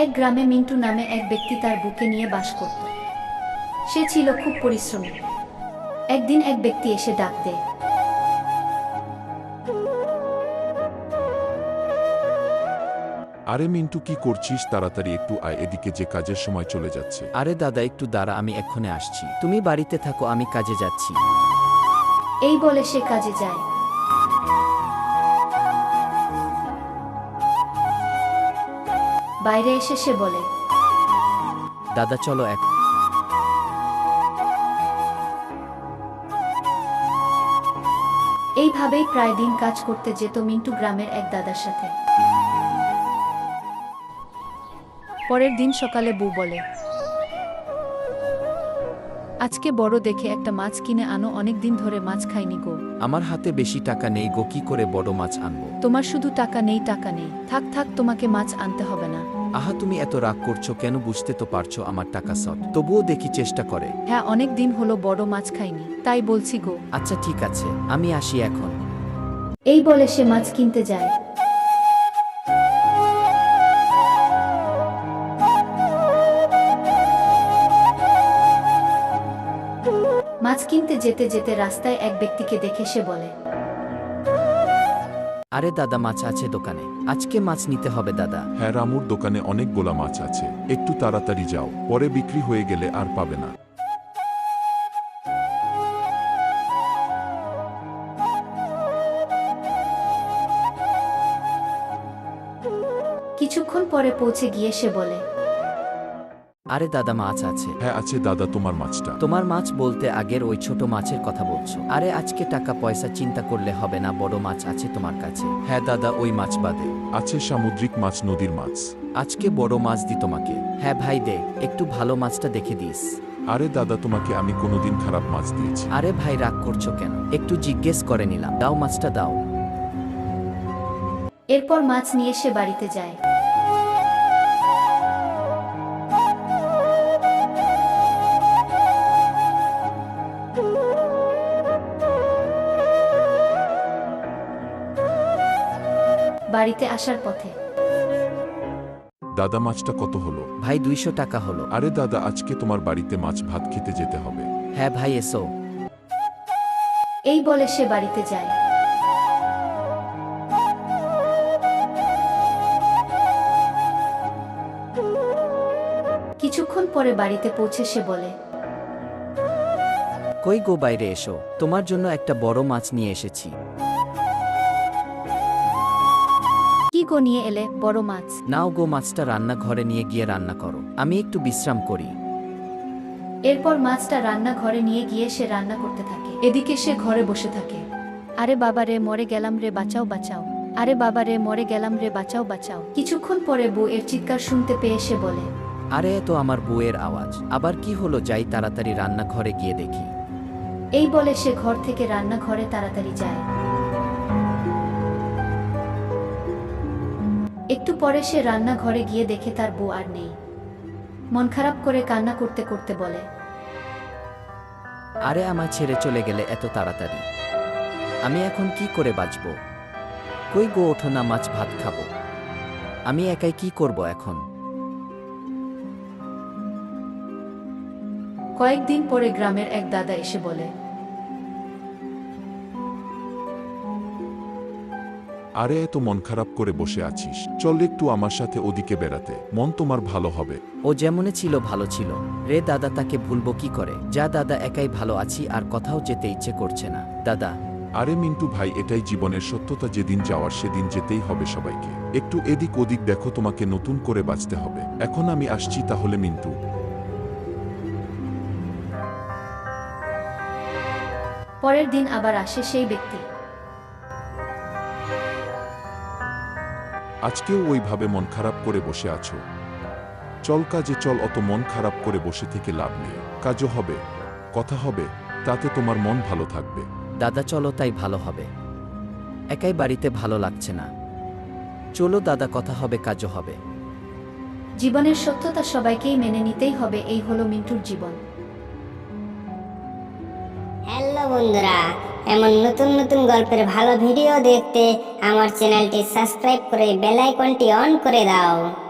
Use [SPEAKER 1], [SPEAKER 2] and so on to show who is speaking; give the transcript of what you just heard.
[SPEAKER 1] এক গ্রামে মিন্টু নামে এক ব্যক্তি তার বুকে নিয়ে বাস করত। সে ছিল খুব পরিশ্রমী। একদিন এক ব্যক্তি এসে ডাক দেয়,
[SPEAKER 2] আরে মিন্টু, কি করছিস? তাড়াতাড়ি একটু আয় এদিকে, যে কাজের সময় চলে যাচ্ছে।
[SPEAKER 3] আরে দাদা একটু দাঁড়া, আমি এক্ষণে আসছি। তুমি বাড়িতে থাকো, আমি কাজে যাচ্ছি।
[SPEAKER 1] এই বলে সে কাজে যায়। বাইরে এসে সে বলে,
[SPEAKER 3] দাদা চলো এক।
[SPEAKER 1] এইভাবেই প্রায় দিন কাজ করতে যেত মিন্টু গ্রামের এক দাদার সাথে। পরের দিন সকালে বউ বলে, আজকে বড় দেখে একটা মাছ কিনে আনো, অনেক দিন ধরে মাছ খাইনি গো।
[SPEAKER 3] আমার হাতে বেশি টাকা নেই গো, কি করে বড় মাছ আনবো?
[SPEAKER 1] তোমার শুধু টাকা নেই, টাকা নেই। থাক থাক, তোমাকে মাছ আনতে হবে না।
[SPEAKER 3] আহা, তুমি এত রাগ করছো কেন? বুঝতে তো পারছো আমার টাকা শর্ট, তবুও দেখি চেষ্টা করে।
[SPEAKER 1] হ্যাঁ, অনেক দিন হলো বড় মাছ খাইনি, তাই বলছি গো।
[SPEAKER 3] আচ্ছা ঠিক আছে, আমি আসি এখন।
[SPEAKER 1] এই বলে সে মাছ কিনতে যায়। মাছ কিনতে যেতে যেতে রাস্তায় এক ব্যক্তিকে দেখে সে বলে,
[SPEAKER 3] আরে দাদা, মাছ আছে দোকানে, আজকে মাছ নিতে হবে দাদা।
[SPEAKER 2] হ্যাঁ রামুর দোকানে অনেকগুলা মাছ আছে, একটু তাড়াতাড়ি যাও, পরে বিক্রি হয়ে গেলে আর পাবে না।
[SPEAKER 1] কিছুক্ষণ পরে পৌঁছে গিয়ে সে বলে,
[SPEAKER 3] আরে দাদা, মাছ আছে।
[SPEAKER 2] হ্যাঁ আছে দাদা, তোমার মাছটা।
[SPEAKER 3] তোমার মাছ বলতে আগের ওই ছোট মাছের কথা বলছো? আরে আজকে টাকা পয়সা চিন্তা করলে হবে না, বড় মাছ আছে তোমার কাছে? হ্যাঁ দাদা, ওই মাছ বাদে
[SPEAKER 2] আছে সামুদ্রিক মাছ, নদীর মাছ।
[SPEAKER 3] আজকে বড় মাছ দি তোমাকে। হ্যাঁ ভাই দে, একটু ভালো মাছটা দেখে দিস।
[SPEAKER 2] আরে দাদা, তোমাকে আমি কোনোদিন খারাপ মাছ দিয়েছি?
[SPEAKER 3] আরে ভাই রাগ করছো কেন? একটু জিজ্ঞেস করে নিলাম, দাও মাছটা দাও।
[SPEAKER 1] এরপর মাছ নিয়ে সে বাড়িতে যায়। বাড়িতে আসার পথে,
[SPEAKER 2] দাদা মাছটা কত হলো?
[SPEAKER 3] ভাই 200 টাকা হলো।
[SPEAKER 2] আরে দাদা, আজকে তোমার বাড়িতে মাছ ভাত খেতে যেতে হবে।
[SPEAKER 3] হ্যাঁ ভাই এসো।
[SPEAKER 1] এই বলে সে বাড়িতে যায়। কিছুক্ষণ পরে বাড়িতে পৌঁছে সে বলে,
[SPEAKER 3] কই গো, বাইরে এসো, তোমার জন্য একটা বড় মাছ নিয়ে এসেছি।
[SPEAKER 1] কি গো নিয়ে এলে? বড় মাছ?
[SPEAKER 3] নাও গো, মাছটা রান্নাঘরে নিয়ে গিয়ে রান্না করো, আমি একটু বিশ্রাম করি।
[SPEAKER 1] এরপর মাছটা রান্নাঘরে নিয়ে গিয়ে সে রান্না করতে থাকে। এদিকে সে ঘরে বসে থাকে। আরে বাবা রে, মরে গেলাম রে, বাঁচাও বাঁচাও। আরে বাবা রে, মরে গেলাম রে, বাঁচাও বাঁচাও। কিছুক্ষণ পরে বউ এর চিৎকার শুনতে পেয়ে সে বলে,
[SPEAKER 3] আরে এ তো আমার বউয়ের আওয়াজ, আবার কি হলো? যাই তাড়াতাড়ি রান্নাঘরে গিয়ে দেখি।
[SPEAKER 1] এই বলে সে ঘর থেকে রান্নাঘরে তাড়াতাড়ি যায়। একটু পরে সে রান্নাঘরে গিয়ে দেখে তার বউ আর নেই। মন খারাপ করে কান্না করতে করতে বলে,
[SPEAKER 3] আরে আমার ছেড়ে চলে গেলে এত তাড়াতাড়ি, আমি এখন কি করে বাঁচব? কই গো, ওঠো না, মাছ ভাত খাবো। আমি একাই কি করব এখন?
[SPEAKER 1] কয়েকদিন পরে গ্রামের এক দাদা এসে বলে,
[SPEAKER 2] আরে এত মন খারাপ করে বসে আছিস, চল একটু আমার সাথে ওদিকে বেড়াতে, মন তোমার ভালো হবে।
[SPEAKER 3] ও যেমনে ছিল ভালো ছিল রে দাদা, তাকে ভুলবো কি করে? যা দাদা, একাই ভালো আছি, আর কোথাও যেতে ইচ্ছে করছে না দাদা।
[SPEAKER 2] আরে মিন্টু ভাই, এটাই জীবনের সত্যতা, যেদিন যাওয়ার সেদিন যেতেই হবে সবাইকে। একটু এদিক ওদিক দেখো, তোমাকে নতুন করে বাঁচতে হবে। এখন আমি আসছি তাহলে মিন্টু।
[SPEAKER 1] পরের দিন আবার আসে সেই ব্যক্তি।
[SPEAKER 2] আজকেও ওইভাবে মন খারাপ করে বসে আছো? চল কাজে চল, অত মন খারাপ করে বসে থেকে লাভ নেই। কাজও হবে, কথা হবে, তাতে তোমার মন ভালো থাকবে।
[SPEAKER 3] দাদা চলো, তাই ভালো হবে। একাই বাড়িতে ভালো লাগছে না, চলো দাদা, কথা হবে, কাজও হবে।
[SPEAKER 1] জীবনের সত্যতা সবাইকেই মেনে নিতেই হবে, এই হলো মিন্টুর জীবন।
[SPEAKER 4] হ্যালো বন্ধুরা, এমন নতুন নতুন গল্পের ভালো ভিডিও দেখতে আমার চ্যানেলটি সাবস্ক্রাইব করে বেল আইকনটি অন করে দাও।